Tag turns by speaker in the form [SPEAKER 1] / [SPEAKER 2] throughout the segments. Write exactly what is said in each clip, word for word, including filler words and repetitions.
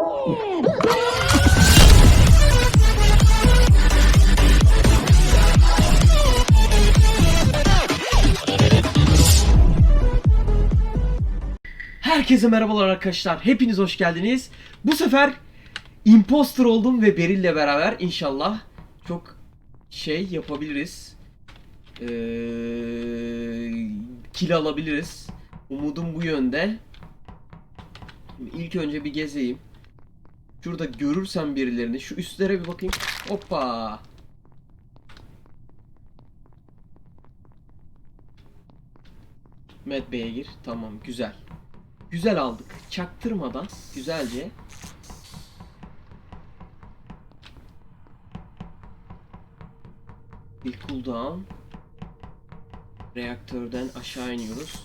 [SPEAKER 1] Herkese merhabalar arkadaşlar. Hepiniz hoş geldiniz. Bu sefer imposter oldum ve Beril'le beraber inşallah çok şey yapabiliriz. Ee, kill alabiliriz. Umudum bu yönde. Şimdi ilk önce bir gezeyim. Şurada görürsem birilerini, şu üstlere bir bakayım. Hoppa. Med Bey'e gir. Tamam, güzel. Güzel aldık. Çaktırmadan güzelce. Bir cooldown. Reaktörden aşağı iniyoruz.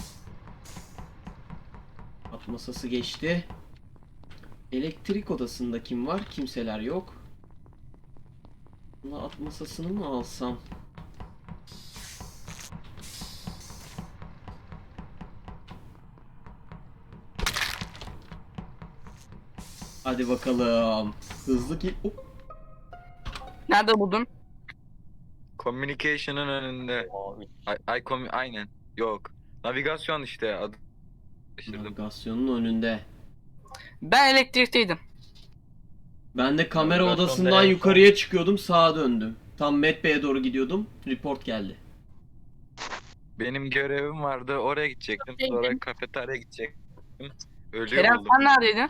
[SPEAKER 1] At masası geçti. Elektrik odasında kim var? Kimseler yok. Buna at masasını mı alsam? Hadi bakalım. Hızlı ki... Hop.
[SPEAKER 2] Nerede buldun?
[SPEAKER 3] Communication'ın önünde. Ay, ay komi aynen. Yok. Navigasyon işte adı.
[SPEAKER 1] Navigasyonun önünde.
[SPEAKER 2] Ben elektrikteydim.
[SPEAKER 1] Ben de kamera
[SPEAKER 3] Navigasyon
[SPEAKER 1] odasından
[SPEAKER 3] nereye?
[SPEAKER 1] yukarıya çıkıyordum, sağa döndüm. Tam Met Bey'e doğru gidiyordum. Report geldi.
[SPEAKER 3] Benim görevim vardı. Oraya gidecektim. Sonra kafeteryaya gidecektim. Ölüyor
[SPEAKER 2] Kerem
[SPEAKER 3] buldum.
[SPEAKER 2] sen neredeydin?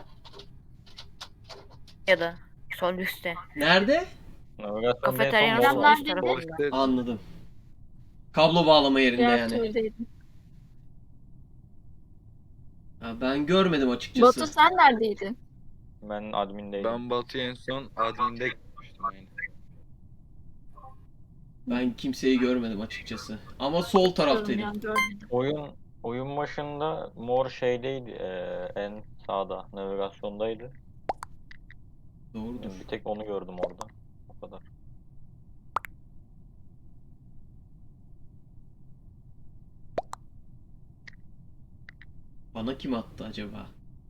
[SPEAKER 4] Ya da sol üstte.
[SPEAKER 1] Nerede?
[SPEAKER 4] Kafeteryanın
[SPEAKER 5] Ben
[SPEAKER 4] sol üst
[SPEAKER 5] neredeydim?
[SPEAKER 4] tarafında.
[SPEAKER 3] Polis-
[SPEAKER 1] Anladım. Kablo bağlama yerinde yani.
[SPEAKER 5] Reaktördeydim.
[SPEAKER 1] Ha, ben görmedim açıkçası.
[SPEAKER 5] Batu sen neredeydin?
[SPEAKER 6] Ben admindeydim.
[SPEAKER 3] Ben Batu'ya en son adminde gitmiştim yani.
[SPEAKER 1] Ben kimseyi görmedim açıkçası. Ama sol taraftaydım.
[SPEAKER 5] Yani görmedim.
[SPEAKER 6] Oyun oyun başında mor şeydeydi, eee, en sağda navigasyondaydı.
[SPEAKER 1] Doğrudur.
[SPEAKER 6] Bir tek onu gördüm orada. O kadar.
[SPEAKER 1] Bana kim attı acaba?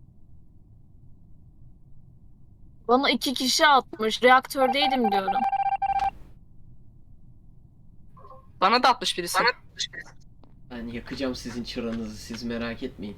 [SPEAKER 5] Bana iki kişi atmış. Reaktördeydim diyorum.
[SPEAKER 2] Bana da atmış birisi.
[SPEAKER 1] Ben yakacağım sizin çıranızı, siz merak etmeyin.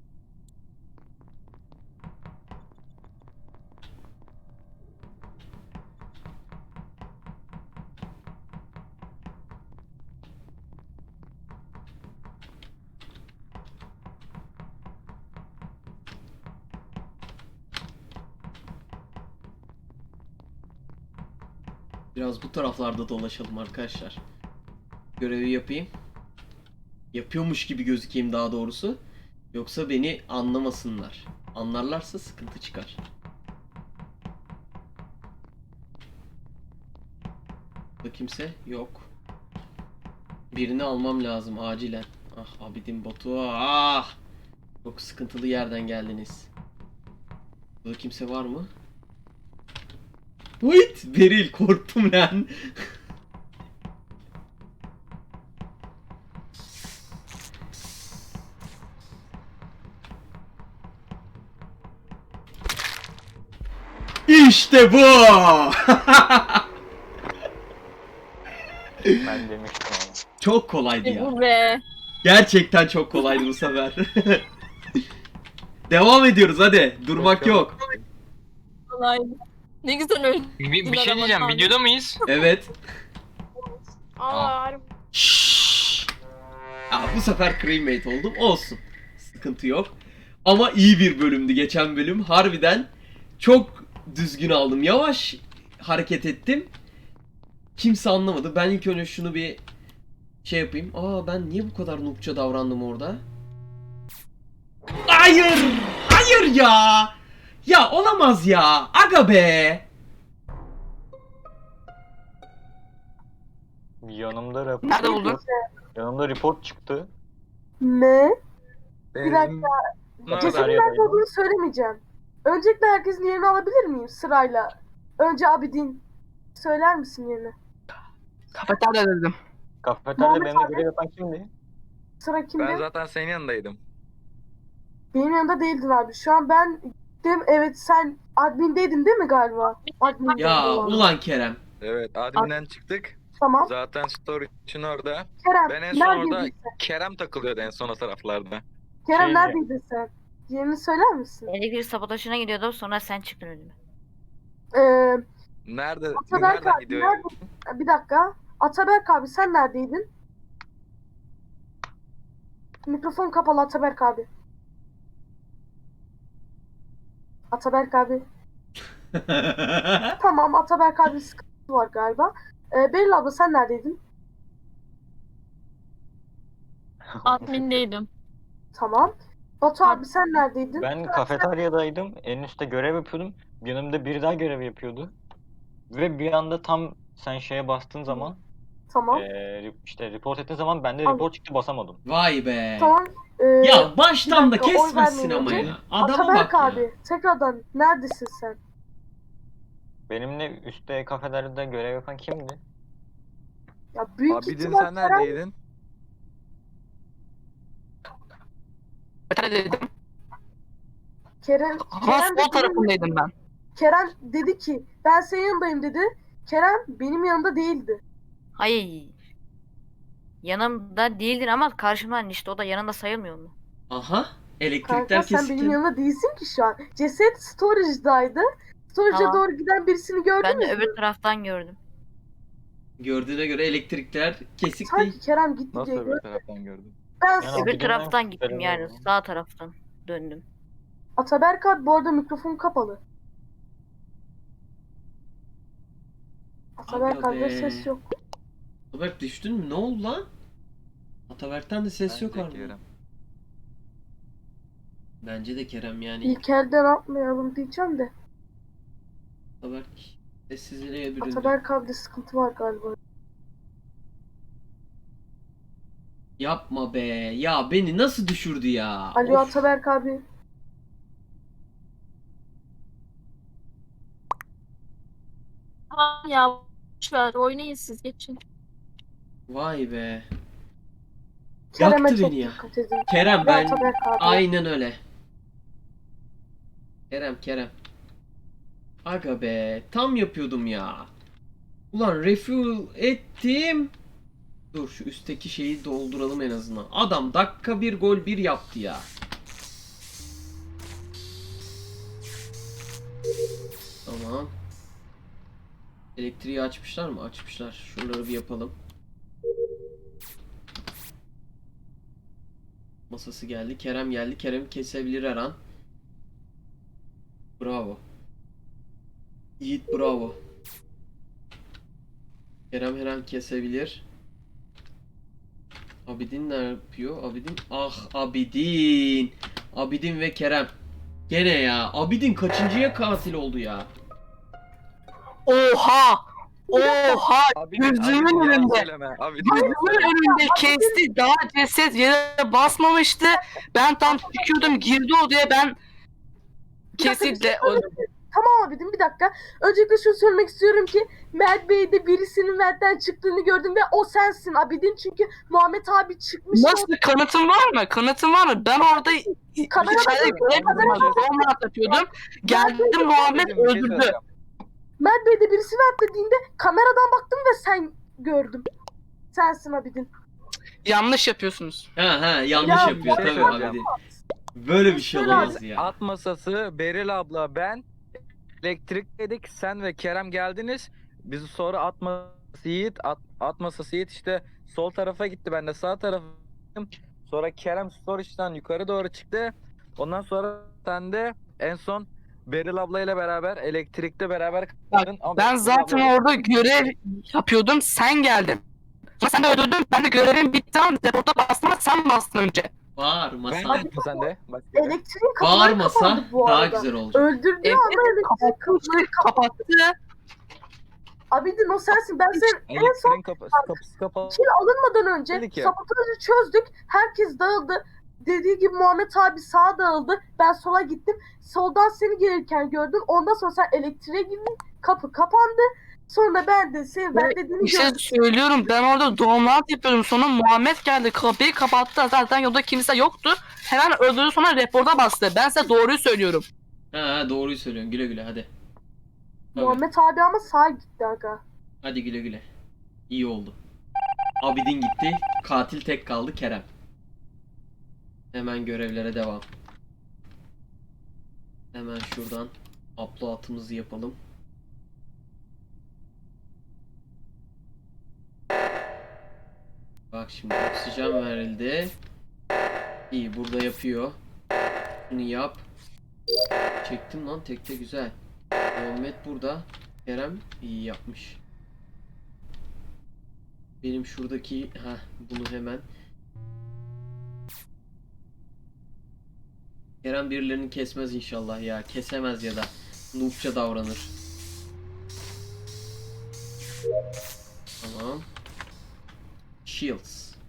[SPEAKER 1] Biraz bu taraflarda dolaşalım arkadaşlar. Görevi yapayım. Yapıyormuş gibi gözükeyim daha doğrusu. Yoksa beni anlamasınlar. Anlarlarsa sıkıntı çıkar. Burada kimse yok. Birini almam lazım acilen. Ah Abidin Batu, ah! Çok sıkıntılı yerden geldiniz. Burada kimse var mı? Wait! Beril, korktum lan. İşte bu!
[SPEAKER 6] Ben demiştim ama.
[SPEAKER 1] Çok kolaydı
[SPEAKER 5] E
[SPEAKER 1] ya.
[SPEAKER 5] bu be.
[SPEAKER 1] Gerçekten çok kolaydı bu sefer. Devam ediyoruz hadi. Durmak yok.
[SPEAKER 5] Kolay. Ne güzel öyle.
[SPEAKER 2] Bir, bir şey diyeceğim. Videoda mıyız?
[SPEAKER 1] Evet.
[SPEAKER 5] Aa,
[SPEAKER 1] Şşş. Ya bu sefer crewmate oldum. Olsun. Sıkıntı yok. Ama iyi bir bölümdü geçen bölüm. Harbiden çok düzgün aldım. Yavaş hareket ettim. Kimse anlamadı. Ben ilk önce şunu bir şey yapayım. Aa ben niye bu kadar noobça davrandım orada? Hayır! Hayır ya! Ya olamaz ya! Aga be!
[SPEAKER 6] Yanımda rapor.
[SPEAKER 2] Nerede buldun?
[SPEAKER 6] Yanımda report çıktı.
[SPEAKER 7] Ne?
[SPEAKER 3] Bir
[SPEAKER 7] dakika. Cesedin
[SPEAKER 6] Kafeteryadaydım.
[SPEAKER 7] nerede olduğunu söylemeyeceğim. Öncelikle herkesin yerini alabilir miyim sırayla? Önce Abidin. Söyler misin yerini?
[SPEAKER 2] Kafeterya dedim.
[SPEAKER 6] Kafeteryada
[SPEAKER 7] Muhammed
[SPEAKER 6] benimle
[SPEAKER 7] abi.
[SPEAKER 6] görev yapan kimdi?
[SPEAKER 7] Sıra kimde?
[SPEAKER 3] Ben zaten senin yanındaydım.
[SPEAKER 7] Benim yanında değildin abi. Şu an ben Değil mi? Evet sen admindeydin değil mi galiba? Admin
[SPEAKER 1] Ya
[SPEAKER 7] olan.
[SPEAKER 1] ulan Kerem.
[SPEAKER 3] Evet adminden çıktık.
[SPEAKER 7] Tamam.
[SPEAKER 3] Zaten story için orada.
[SPEAKER 7] Kerem
[SPEAKER 3] Ben en son orada
[SPEAKER 7] neredeydin sen?
[SPEAKER 3] Kerem takılıyordu en son o taraflarda.
[SPEAKER 7] Kerem
[SPEAKER 6] Şey-
[SPEAKER 7] neredeydin sen? Yerini söyler misin?
[SPEAKER 4] Elektrik sabotajına gidiyordum sonra sen çıktın önüme.
[SPEAKER 7] Ee,
[SPEAKER 3] Nerede?
[SPEAKER 7] Ataberk
[SPEAKER 3] Nereden
[SPEAKER 7] abi
[SPEAKER 3] gidiyor?
[SPEAKER 7] nerede? Bir dakika. Ataberk abi sen neredeydin? Mikrofon kapalı Ataberk abi. Ataberk abi. Tamam Ataberk abi sıkıntı var galiba. Ee, Beril abla sen neredeydin?
[SPEAKER 5] Admindeydim.
[SPEAKER 7] Tamam. Batu abi sen neredeydin?
[SPEAKER 6] Ben kafeteryadaydım. En üstte görev yapıyordum. Yanımda biri daha görev yapıyordu. Ve bir anda tam sen şeye bastığın zaman
[SPEAKER 7] Tamam.
[SPEAKER 6] eee, işte report ettiğin zaman bende
[SPEAKER 7] Tamam.
[SPEAKER 6] report çıktı basamadım.
[SPEAKER 1] Vay be.
[SPEAKER 7] Tamam. Ee,
[SPEAKER 1] Ya baştan da
[SPEAKER 7] bir dakika, oy
[SPEAKER 1] kesmezsin
[SPEAKER 7] vermeyin
[SPEAKER 1] ama
[SPEAKER 7] önce.
[SPEAKER 1] ya. Adama
[SPEAKER 7] Ataberk
[SPEAKER 1] bak ya.
[SPEAKER 7] abi tekrardan neredesin sen?
[SPEAKER 6] Benimle üstte kafeteryada görev yapan kimdi?
[SPEAKER 7] Ya büyük
[SPEAKER 3] Abidin
[SPEAKER 7] ihtimal
[SPEAKER 3] sen
[SPEAKER 7] Kerem,
[SPEAKER 3] neredeydin?
[SPEAKER 2] Kafeteryadaydım.
[SPEAKER 7] Kerem,
[SPEAKER 2] Ama
[SPEAKER 7] Kerem, de
[SPEAKER 2] sol tarafındaydım ben.
[SPEAKER 7] Kerem dedi ki ben senin yanındayım dedi. Kerem benim yanımda değildi.
[SPEAKER 4] Hayır. Yanımda değildin ama karşımdan işte o da yanında sayılmıyor mu?
[SPEAKER 1] Aha. Elektrikler
[SPEAKER 7] Kanka sen benim
[SPEAKER 1] kesildi.
[SPEAKER 7] yanımda değilsin ki şu an. Ceset storage'daydı. Storage'a
[SPEAKER 4] Tamam.
[SPEAKER 7] doğru giden birisini gördün
[SPEAKER 4] Ben
[SPEAKER 7] mü?
[SPEAKER 4] de öbür taraftan gördüm.
[SPEAKER 1] Gördüğüne göre elektrikler kesik değil.
[SPEAKER 7] Sanki Kerem gitti
[SPEAKER 3] Nasıl
[SPEAKER 7] diye
[SPEAKER 3] öbür
[SPEAKER 7] gördüm.
[SPEAKER 3] taraftan gördün?
[SPEAKER 7] Ben
[SPEAKER 6] Yani
[SPEAKER 4] Öbür
[SPEAKER 6] Abidin'den
[SPEAKER 4] taraftan gittim
[SPEAKER 6] şüpheleniyorum
[SPEAKER 4] yani
[SPEAKER 6] ama.
[SPEAKER 4] sağ taraftan döndüm.
[SPEAKER 7] Ataberk abi bu arada mikrofon kapalı. Ataberk
[SPEAKER 1] Aga
[SPEAKER 7] abi
[SPEAKER 1] be.
[SPEAKER 7] ses yok.
[SPEAKER 1] Ataberk düştün mü? Ne oldu lan? Ataberk'ten de ses yok
[SPEAKER 3] Bence
[SPEAKER 1] abi.
[SPEAKER 3] Kerem.
[SPEAKER 1] Bence de Kerem yani.
[SPEAKER 7] İlk elden atmayalım diyeceğim de.
[SPEAKER 1] Ataberk sessizliğe büründü.
[SPEAKER 7] Ataberk abi de sıkıntı var galiba.
[SPEAKER 1] Yapma be. Ya beni nasıl düşürdü ya?
[SPEAKER 7] Alo
[SPEAKER 1] Of.
[SPEAKER 7] Ataberk abi.
[SPEAKER 5] Tamam ya. Boşver oynayın siz geçin.
[SPEAKER 1] Vay be.
[SPEAKER 7] Kerem'e
[SPEAKER 1] Yaktı
[SPEAKER 7] çok
[SPEAKER 1] beni ya.
[SPEAKER 7] dikkat edin.
[SPEAKER 1] Kerem
[SPEAKER 7] Ve
[SPEAKER 1] ben
[SPEAKER 7] Ataberk abi.
[SPEAKER 1] aynen öyle. Kerem Kerem. Aga be tam yapıyordum ya. Ulan refuel ettim. Dur şu üstteki şeyi dolduralım en azından. Adam dakika bir gol bir yaptı ya. Tamam. Elektriği açmışlar mı? Açmışlar. Şunları bir yapalım. Masası geldi. Kerem geldi. Kerem kesebilir her an. Bravo. Yiğit bravo. Kerem her an kesebilir. Abidin ne yapıyor? Abidin. Ah Abidin. Abidin ve Kerem. Gene ya. Abidin kaçıncıya katil oldu ya?
[SPEAKER 2] Oha! Oha!
[SPEAKER 3] Abi,
[SPEAKER 2] Gözümün
[SPEAKER 3] abi, yalan
[SPEAKER 2] önünde.
[SPEAKER 3] söyleme. Abi,
[SPEAKER 2] Gözümün önünde kesti. Daha ceset yere basmamıştı. Ben tam çıkıyordum girdi odaya ben kesinlikle öldüm.
[SPEAKER 7] Tamam abicim bir dakika. Öncelikle şunu söylemek istiyorum ki Mert Bey'de birisinin Mert'ten çıktığını gördüm ve o sensin Abidin çünkü Muhammed abi çıkmış.
[SPEAKER 2] Nasıl kanıtın var mı? Kanıtın var mı? Ben orada
[SPEAKER 7] Kamera
[SPEAKER 2] içeride
[SPEAKER 7] bakın,
[SPEAKER 2] görev
[SPEAKER 7] kamera
[SPEAKER 2] yapıyordum. yapıyordum. Geldim Muhammed
[SPEAKER 3] Bir şey
[SPEAKER 2] öldürdü.
[SPEAKER 3] söyleyeceğim.
[SPEAKER 7] Mert Bey'de birisi Mert dediğinde kameradan baktım ve sen gördüm. Sensin Abidin.
[SPEAKER 2] Yanlış yapıyorsunuz.
[SPEAKER 1] Ha ha yanlış
[SPEAKER 7] Ya,
[SPEAKER 1] yapıyor
[SPEAKER 3] bir şey
[SPEAKER 1] tabii
[SPEAKER 3] söyleyeceğim.
[SPEAKER 1] Abidin. Böyle bir şey
[SPEAKER 7] Söyle
[SPEAKER 1] olamaz ya.
[SPEAKER 3] At masası, Beril abla, ben elektrikledik. Sen ve Kerem geldiniz. Bizi sonra at masası Yiğit, at, at masası Yiğit işte sol tarafa gitti. Ben de sağ tarafa gittim. Sonra Kerem storage'dan yukarı doğru çıktı. Ondan sonra sen de en son Beril ablayla beraber elektrikte beraber kaldın. Ama
[SPEAKER 2] Ben
[SPEAKER 3] Beril
[SPEAKER 2] zaten
[SPEAKER 3] abla-
[SPEAKER 2] orada görev yapıyordum. Sen geldin. Sonra sen de öldürdün. Ben de görevim bitti ama deporta bastım ama sen bastın önce.
[SPEAKER 1] Bağırmasa,
[SPEAKER 3] Ben de sen de. Bak, evet.
[SPEAKER 7] Elektriğin kapıları
[SPEAKER 1] bağırmasa
[SPEAKER 7] kapandı bu
[SPEAKER 1] daha
[SPEAKER 7] arada.
[SPEAKER 1] güzel olacak.
[SPEAKER 7] Öldürdüğü
[SPEAKER 2] Evet,
[SPEAKER 7] anda elektrik kapıları kapandı.
[SPEAKER 2] Kapattı.
[SPEAKER 7] Abidin o sensin. Ben senin en son
[SPEAKER 3] Elektriğin kapısı, kapısı kapalı.
[SPEAKER 7] kill alınmadan önce
[SPEAKER 3] Dedik ya.
[SPEAKER 7] sabotajı çözdük. Herkes dağıldı. Dediği gibi Muhammed abi sağa dağıldı. Ben sola gittim. Soldan seni gelirken gördüm. Ondan sonra sen elektriğe girdin. Kapı kapandı. Sonra ben de senin ben dediğini
[SPEAKER 2] Bir şey
[SPEAKER 7] gördüm.
[SPEAKER 2] söylüyorum. Ben orada doğumlat yapıyordum. Sonra Muhammed geldi. Kapıyı kapattı. Zaten yolda kimse yoktu. Hemen öldürdü sonra reporta bastı. Ben size doğruyu söylüyorum.
[SPEAKER 1] Ha doğruyu söylüyorsun. Güle güle hadi. Tabii.
[SPEAKER 7] Muhammed abi ama sağa gitti aga.
[SPEAKER 1] Hadi güle güle. İyi oldu. Abidin gitti. Katil tek kaldı Kerem. Hemen görevlere devam. Hemen şuradan upload'ımızı yapalım. Bak şimdi oksijen verildi. İyi burada yapıyor. Bunu yap. Çektim lan tekte güzel. Muhammed burada. Kerem iyi yapmış. Benim şuradaki ha bunu hemen. Kerem birilerini kesmez inşallah ya. Kesemez ya da noobça davranır. Tamam. Shields.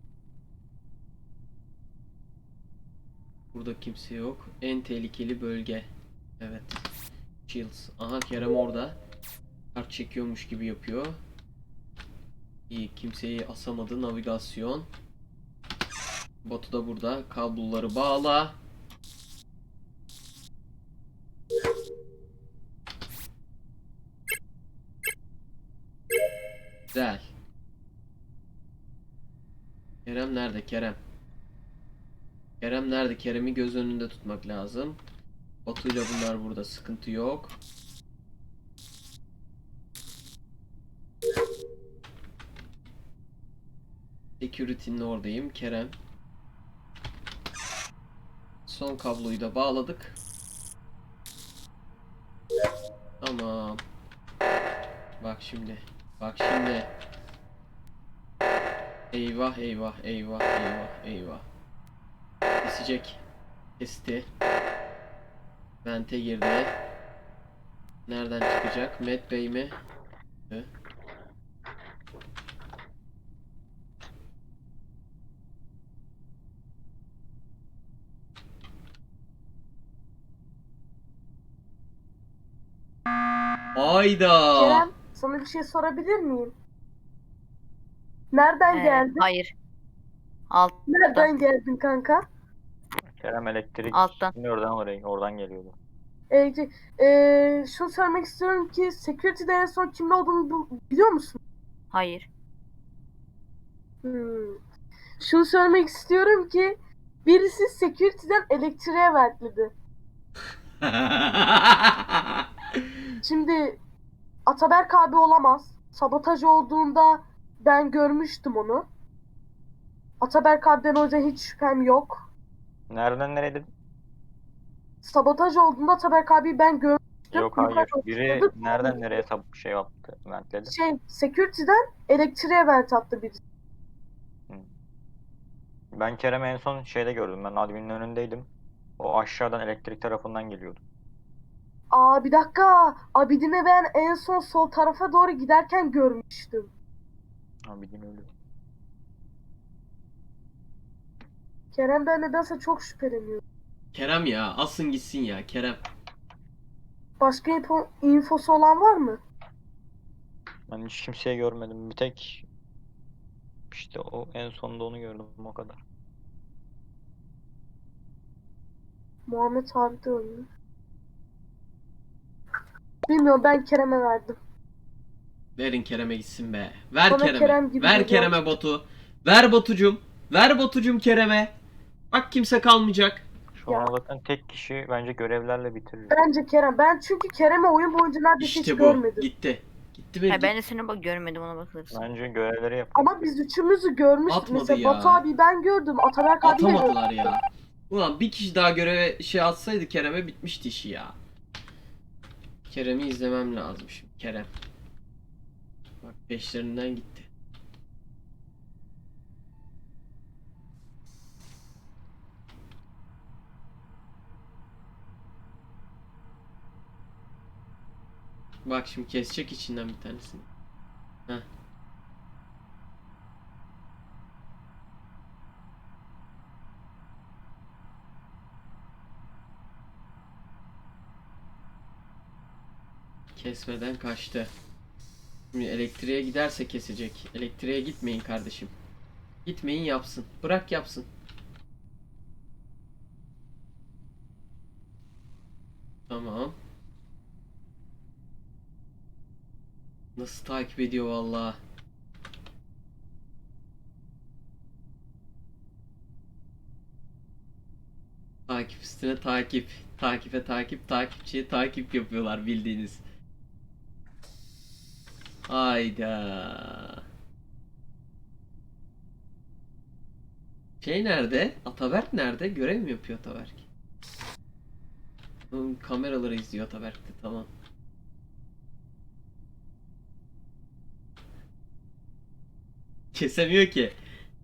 [SPEAKER 1] Burada kimse yok. En tehlikeli bölge. Evet. Shields. Aha Kerem orada. Kart çekiyormuş gibi yapıyor. İyi kimseyi asamadı. Navigasyon. Batu da burada. Kabloları bağla. Güzel. Kerem nerede? Kerem. Kerem nerede? Kerem'i göz önünde tutmak lazım. Batu'yla bunlar burada. Sıkıntı yok. Security'nin oradayım. Kerem. Son kabloyu da bağladık. Tamam. Bak şimdi. Bak şimdi. Eyvah eyvah eyvah eyvah eyvah. Kesecek. Kesti. Vente girdi. Nereden çıkacak? Matt Bey mi? Hı? Hayda.
[SPEAKER 7] Kerem sana bir şey sorabilir miyim? Nereden
[SPEAKER 4] Ee,
[SPEAKER 7] geldin?
[SPEAKER 4] hayır. Alt,
[SPEAKER 7] Nereden geldin kanka?
[SPEAKER 6] Kerem elektrik
[SPEAKER 4] Alttan.
[SPEAKER 6] oradan oraya oradan geliyordu.
[SPEAKER 7] Ee, ee, şunu söylemek istiyorum ki Security'de en son kimde olduğunu bu- biliyor musun?
[SPEAKER 4] hayır.
[SPEAKER 7] Hmm. Şunu söylemek istiyorum ki birisi Security'den elektriğe verdi. Şimdi Ataberk abi olamaz. Sabotaj olduğunda ben görmüştüm onu. Ataberk abiden o yüzden hiç şüphem yok.
[SPEAKER 6] Nereden nereye dedin?
[SPEAKER 7] Sabotaj olduğunda Ataberk abi ben görmüştüm.
[SPEAKER 6] Yok hayır.
[SPEAKER 7] Yukarıda
[SPEAKER 6] Biri
[SPEAKER 7] oturduk.
[SPEAKER 6] nereden nereye sap şey yaptı, ventledi.
[SPEAKER 7] Şey, Security'den elektriğe vent attı birisi.
[SPEAKER 6] Ben Kerem'i en son şeyde gördüm. Ben adminin önündeydim. O aşağıdan elektrik tarafından geliyordu.
[SPEAKER 7] Aa bir dakika. Abidin'e ben en son sol tarafa doğru giderken görmüştüm.
[SPEAKER 6] Ha bildiğin öyle.
[SPEAKER 7] Kerem'den nedense çok şüpheleniyorum.
[SPEAKER 1] Kerem ya asın gitsin ya Kerem.
[SPEAKER 7] Başka info, infosu olan var mı?
[SPEAKER 6] Ben hiç kimseyi görmedim. Bir tek işte o en sonunda onu gördüm o kadar.
[SPEAKER 7] Muhammed abi de öldü. Bilmiyorum ben Kerem'e verdim.
[SPEAKER 1] Verin Kerem'e gitsin be. Ver
[SPEAKER 7] Bana
[SPEAKER 1] Kerem'e.
[SPEAKER 7] Kerem gibi
[SPEAKER 1] Ver
[SPEAKER 7] geliyor.
[SPEAKER 1] Kerem'e Batu. Ver Batucum. Ver Batucum Kerem'e. Bak kimse kalmayacak.
[SPEAKER 6] Şu
[SPEAKER 7] Ya.
[SPEAKER 6] an zaten tek kişi bence görevlerle bitirir.
[SPEAKER 7] Bence Kerem. Ben çünkü Kerem'i oyun boyunca neredeyse hiç
[SPEAKER 1] İşte bu.
[SPEAKER 7] görmedim.
[SPEAKER 1] Gitti. Gitti benim.
[SPEAKER 4] Ha, ben de seni bak görmedim ona bakılırsa.
[SPEAKER 6] Bence görevleri yap.
[SPEAKER 7] Ama biz üçümüzü görmüştük.
[SPEAKER 1] Atmadı
[SPEAKER 7] Mesela
[SPEAKER 1] ya.
[SPEAKER 7] Batu abi ben gördüm. Ataberk abi de gördüm.
[SPEAKER 1] Atamadılar ya. Ulan bir kişi daha göreve şey atsaydı Kerem'e bitmişti işi ya. Kerem'i izlemem lazım şimdi. Kerem. Bak peşlerinden gitti. Bak şimdi kesecek içinden bir tanesini. Heh. Kesmeden kaçtı. Şimdi elektriğe giderse kesecek. Elektriğe gitmeyin kardeşim. Gitmeyin yapsın. Bırak yapsın. Tamam. Nasıl takip ediyor vallahi. Takip üstüne takip. Takife takip, takipçiye takip yapıyorlar bildiğiniz. Hayda. Şey nerede? Ataberk nerede? Görev mi yapıyor Ataberk? Hmm, kameraları izliyor Ataberk'te, tamam. Kesemiyor ki.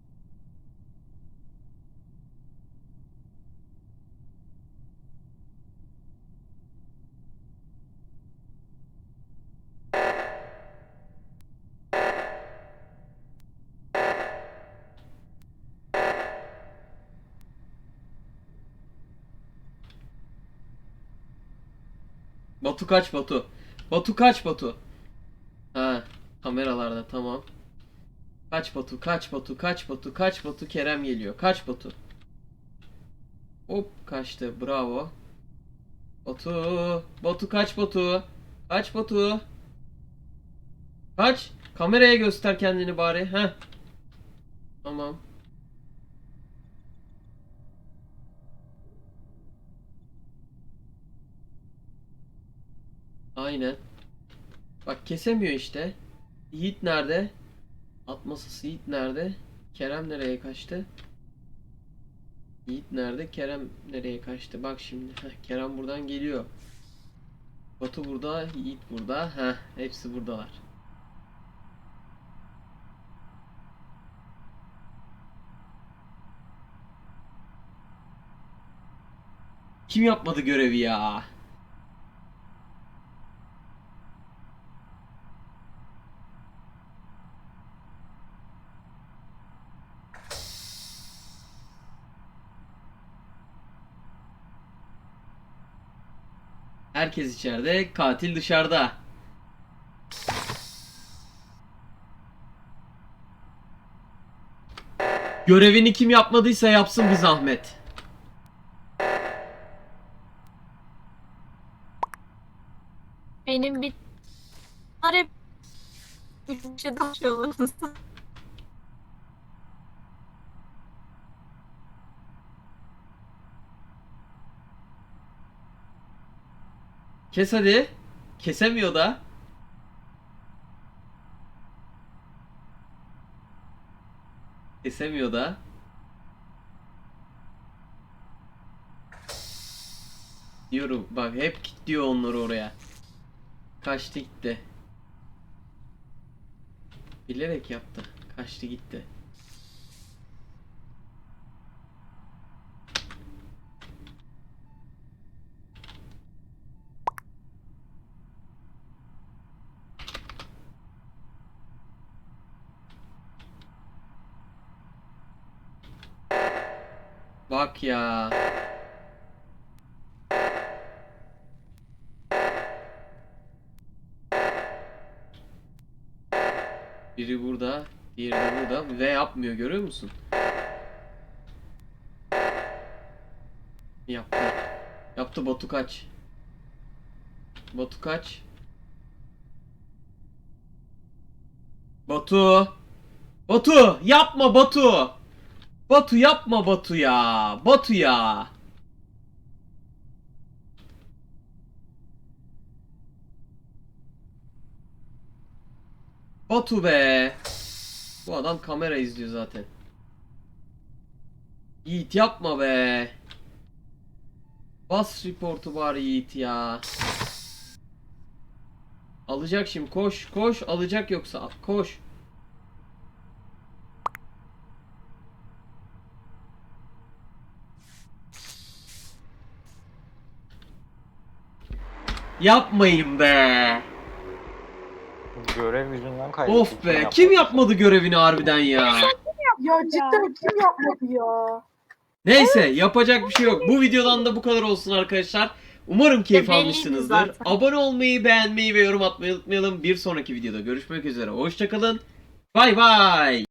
[SPEAKER 1] Batu kaç Batu? Batu kaç Batu? Ha, kameralarda tamam. Kaç Batu, kaç Batu, kaç Batu, kaç Batu, Kerem geliyor. Kaç Batu. Hop kaçtı, bravo. Batu, Batu kaç Batu. Kaç Batu. Kaç. Kameraya göster kendini bari. Heh. Tamam. Aynen. Bak kesemiyor işte. Yiğit nerede? Atmasası Yiğit nerede? Kerem nereye kaçtı? Yiğit nerede? Kerem nereye kaçtı? Bak şimdi. Heh, Kerem buradan geliyor. Batu burada, Yiğit burada. Heh, hepsi buradalar. Kim yapmadı görevi ya? Herkes içeride, katil dışarıda. Görevini kim yapmadıysa yapsın bir zahmet.
[SPEAKER 5] Benim bir hep bir şey taşıyorsunuz.
[SPEAKER 1] Kes hadi. Kesemiyor da. Kesemiyor da. Diyorum bak, hep kilitliyor onları oraya. Kaçtı gitti. Bilerek yaptı. Kaçtı gitti. Bak ya. Biri burada, diğeri de burada ve yapmıyor, görüyor musun? Yaptı. Yaptı. Batu kaç. Batu kaç. Batu. Batu yapma Batu. Batu yapma Batu ya. Batu ya. Batu be. Bu adam kamera izliyor zaten. Yiğit yapma be. Bas reportu bari Yiğit ya. Alacak şimdi, koş koş, alacak yoksa koş. Yapmayın be.
[SPEAKER 6] Görev yüzünden kaybettik.
[SPEAKER 1] Of be, kim yapmadı görevini harbiden ya.
[SPEAKER 7] Ya cidden kim yapmadı ya?
[SPEAKER 1] Neyse, yapacak bir şey yok. Bu videodan da bu kadar olsun arkadaşlar. Umarım keyif
[SPEAKER 5] E, belliydi
[SPEAKER 1] almışsınızdır.
[SPEAKER 5] zaten.
[SPEAKER 1] Abone olmayı, beğenmeyi ve yorum atmayı unutmayalım. Bir sonraki videoda görüşmek üzere. Hoşçakalın. Bay bay.